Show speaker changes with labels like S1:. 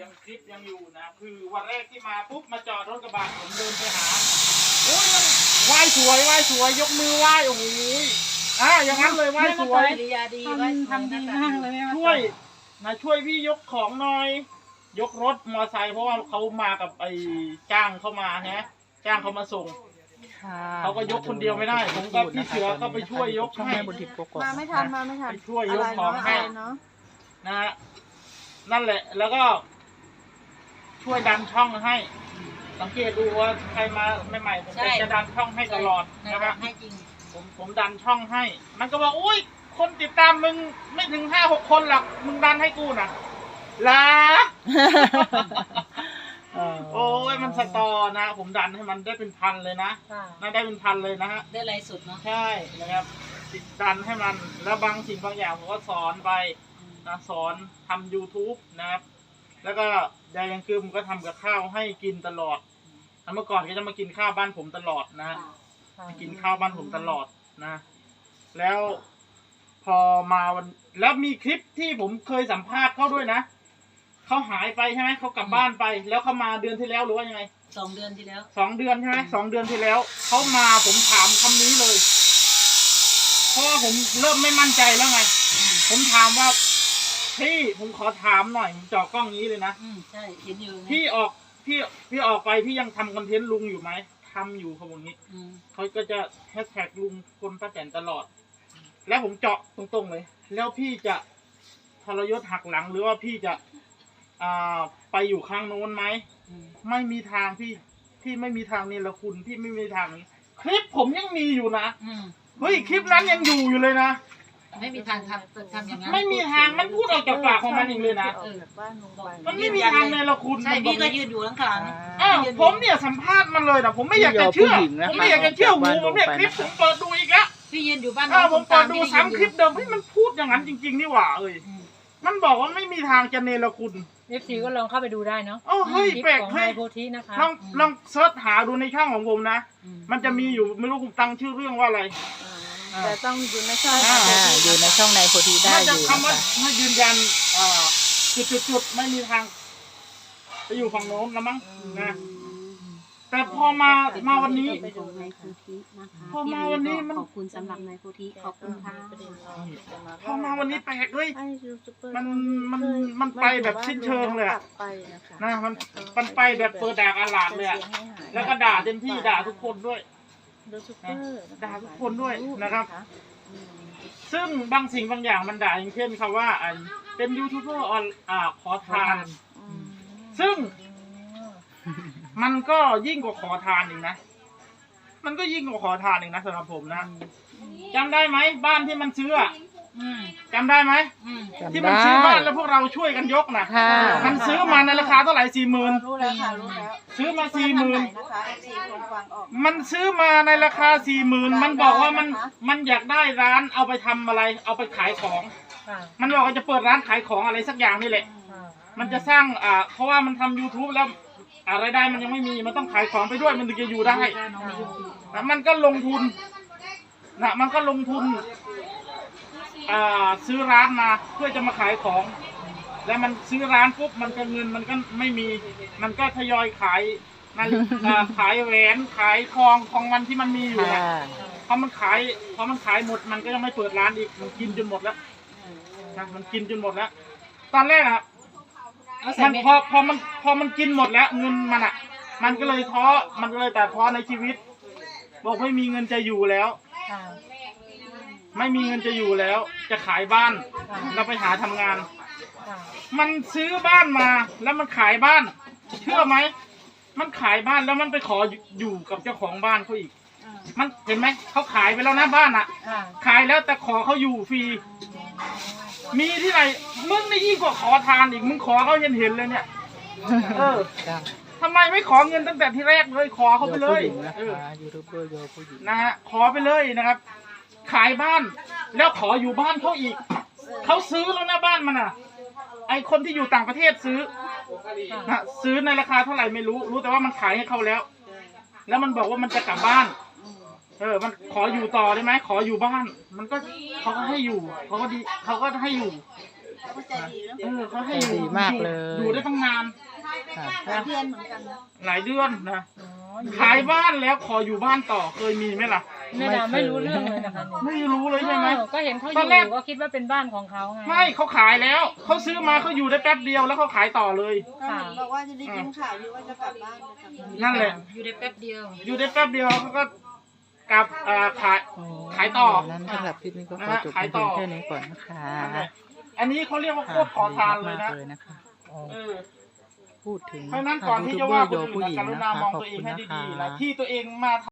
S1: ยังคลิปยังอยู่นะคือวันแรกที่มาปุ๊บมาจอดรถกระบะผมเดินไปหาโอ้ยไหว้สวยยกมือไหว้โอ้โหอย่างนั้นเลยไหว้สวย
S2: ทำดีมากเลย
S1: ช่วยพี่ยกของหน่อยยกรถมอไซค์เพราะว่าเขามากับไอ้จ้างเข้ามาฮะจ้างเขามาส่งเขาก็ยกคนเดียวไม่ได้ผมกับพี่เสือก็ไปช่วยยกให้
S2: มาไม่ทัน
S1: ไปช่วยยกของให้นะฮะนั่นแหละแล้วก็ช่วยดันช่องให้สังเกตดูว่าใครมาใหม่ๆผมจะดันช่องให้ตลอดนะครับให้จริงผมดันช่องให้มันก็บอกอุ้ยคนติดตามมึงไม่ถึง5-6 คนหรอกมึงดันให้กูนะล่ะ โอ้ยมันสตอนะผมดันให้มันได้เป็นพันเลยนะได้เป็นพันเลยนะฮะ
S3: ได้ไรสุดเนาะ
S1: ใช่นะครับติดดันให้มันแล้วบางสิ่งบางอย่างผมก็สอนไปนะสอนทำ YouTube นะครับแล้วก็ยายยังคือผมก็ทำกับข้าวให้กินตลอดเมื่อก่อนก็จะมากินข้าวบ้านผมตลอดนะกินข้าวบ้านผมตลอดนะแล้วพอมาวันแล้วมีคลิปที่ผมเคยสัมภาษณ์เขาด้วยนะเขาหายไปใช่ไหมเขากลับบ้านไปแล้วเขามาเดือนที่แล้วหรือว่ายังไง
S3: 2 เดือนที่แล้ว
S1: 2 เดือนใช่ไหม2 เดือนที่แล้วเขามาผมถามคำนี้เลยเพราะว่าผมเริ่มไม่มั่นใจแล้วไงผมถามว่าพี่ผมขอถามหน่อยผมจ่อกล้องนี้เลยนะ
S3: ใช่เห็นอยู่
S1: พี่ออกไปพี่ยังทำคอนเทนต์ลุงอยู่ไหมทำอยู่เขาบอกนี้เขาก็จะแฮชแท็กลุงคนป้าแตนตลอดแล้วผมเจาะตรงๆเลยแล้วพี่จะทรยศหักหลังหรือว่าพี่จะไปอยู่ข้างโน้นไหมไม่มีทางพี่ไม่มีทางนี่ละคุณพี่ไม่มีทางนี้คลิปผมยังมีอยู่นะเฮ้ยคลิปนั้นยังอยู่เลยนะ
S3: ไม่มีทางทำอย่างนั้น
S1: ไม่มีทางมันพูดออกจากปากของมันเองเลยนะมันไม่มีทางในละคุณ
S3: ใช่พี่ก็ยืนอยู่ข้าง
S1: ผมเนี่ยสัมภาษณ์มันเลยนะผมไม่อยากจะเชื่อผมไม่อยากจะเชื่อหูผมเนี่ยคลิปผมเปิดดูอีกแล้ว
S3: พี่ยืนอยู่บ้าน
S1: ผมเปิดดู3 คลิปเดิมให้มันพูดอย่างนั้นจริงๆนี่หว่ามันบอกว่าไม่มีทางจะเนรคุณ
S2: FC ก็ลองเข้าไปดูได้เนาะ
S1: เฮ้ยแปลกให้
S2: โพธินะคะ
S1: ลองเซิร์ชหาดูในช่องของผมนะมันจะมีอยู่ไม่รู้ผมตั้งชื่อเรื่องว่าอะไร
S2: แต่ต้องอยู่ในช่อง
S4: อยู่ในช่องในโพธิได้อยู่
S1: นะคะถ้ายืนยันจุดไม่มีทางไปอยู่ฝั่งโน้นแล้วมั้งนะแต่พอมาวันนี้พอมาวันนี้มัน
S3: ขอบคุณสำหรับนายโพธิขอบคุณค่ะ
S1: พอมาวันนี้แปลกเลยมันไปแบบสิ้นเชิงเลยนะมันไปแบบเปิดด่าอาหลาดเลยแล้วก็ด่าเต็มที่ด่าทุกคนด้วยด่าทุกคนด้วยนะครับซึ่งบางสิ่งบางอย่างมันด่าอย่างเช่นคำว่าเป็นยูทูบเบอร์ขอทานซึ่งมันก็ยิ่งกว่าขอทานอีกนะมันก็ยิ่งกว่าขอทานอีกนะสำหรับผมนะจำได้ไหมบ้านที่มันซื้อจำได้ไหมที่มันซื้อบ้านแล้วพวกเราช่วยกันยกนะมันซื้อมาในราคาเท่าไหร่40,000
S2: รู้แล้วค่ะรู้แล้ว
S1: ซื้อมา40,000มันซื้อมาในราคา40,000มันบอกว่ามันอยากได้ร้านเอาไปทำอะไรเอาไปขายของมันบอกว่าจะเปิดร้านขายของอะไรสักอย่างนี่แหละมันจะสร้างเพราะว่ามันทำ YouTube แล้วรายได้มันยังไม่มีมันต้องขายของไปด้วยมันถึงจะอยู่ได้แล้วมันก็ลงทุนซื้อร้านมาเพื่อจะมาขายของแล้วมันซื้อร้านปุ๊บมันก็เงินมันก็ไม่มีมันก็ทยอยขายขายแหวนขายทองของมันที่มันมีอยู่พอมันขายหมดมันก็ยังไม่เปิดร้านอีกมันกินจนหมดแล้วมันกินจนหมดแล้วตอนแรกมันพอมันกินหมดแล้วเงินมันก็เลยท้อมันก็เลยแต่ท้อในชีวิตบอกไม่มีเงินจะอยู่แล้วไม่มีเงินจะอยู่แล้วจะขายบ้านแล้วไปหาทำงานมันซื้อบ้านมาแล้วมันขายบ้านเชื่อไหมมันขายบ้านแล้วมันไปขออยู่กับเจ้าของบ้านเขาอีกมันเห็นไหมเขาขายไปแล้วนะบ้านขายแล้วแต่ขอเขาอยู่ฟรีมีที่ไหนมึงนี่ยิ่งกว่าขอทานอีกมึงขอเขาเห็นเลยเนี่ยทำไมไม่ขอเงินตั้งแต่ที่แรกเลยขอเขาไปเลยนะฮะขอไปเลยนะครับขายบ้านแล้วขออยู่บ้านเขาอีกเขาซื้อแล้วนะบ้านมันไอคนที่อยู่ต่างประเทศซื้อในราคาเท่าไหร่ไม่รู้แต่ว่ามันขายให้เขาแล้วมันบอกว่ามันจะกลับบ้านมันขออยู่ต่อได้ไหมขออยู่บ้านมันก็เขาก็ให้อยู่เขาก็ให้อยู่
S3: เขาก็ใจดีเนาะ
S1: เขาให้
S4: ใจดีมากเลย
S1: อยู่ได้ตั้งนาน
S4: ค่ะ
S3: หลายเดือนเหมือนกันนะ
S1: หลายเดือนนะ
S2: อ๋ออยู่
S1: ขายบ้านแล้วขออยู่บ้านต่อเคยมีไหมล่ะ
S2: แม่ดาไม่รู้เรื่องเลยนะคะเนี่ย
S1: ไม่รู้เลยใช่ไหม
S2: ก็เห็นเขาอ
S1: ตอนแรก
S2: ยู่ก็คิดว่าเป็นบ้านของเขาไง
S1: ไม่เขาขายแล้วเขาซื้อมาเขาอยู่ได้แป๊บเดียวแล้วเขาขายต่อเลย
S2: ค่ะ
S3: บอกว่าจะได้ยินข่าวอยู่ว่าจะกลับบ้านจะกลับบ้าน
S1: นั่นแหละ
S3: อยู่ได้แป๊บเดียว
S1: อยู่ได้แป๊บเดียวเขาก็กลับขายต่อ
S4: นั้นสำหรับคลิปนี้ก็ขอจบ
S1: ขาย
S4: เพี
S1: ต่
S4: ย
S1: อ
S4: งแค่นี้ก่อนนะคะ
S1: อันนี้เขาเรียกว่าโคตรขอทานเลยนะ
S4: เลยนะคะอ๋อ
S1: เออ
S4: พูดถึง
S1: เพราะฉะนั้นก่อนที่จะว่าคนอื่น
S4: ผู้หญิง
S1: กรุ
S4: นะ
S1: ณา
S4: คะ
S1: มอง
S4: ขอบ
S1: ตัวเอ
S4: คุ
S1: ง
S4: ณ
S1: ให้
S4: นะ
S1: ดีๆ
S4: คะ
S1: นะที่ตัวเองมา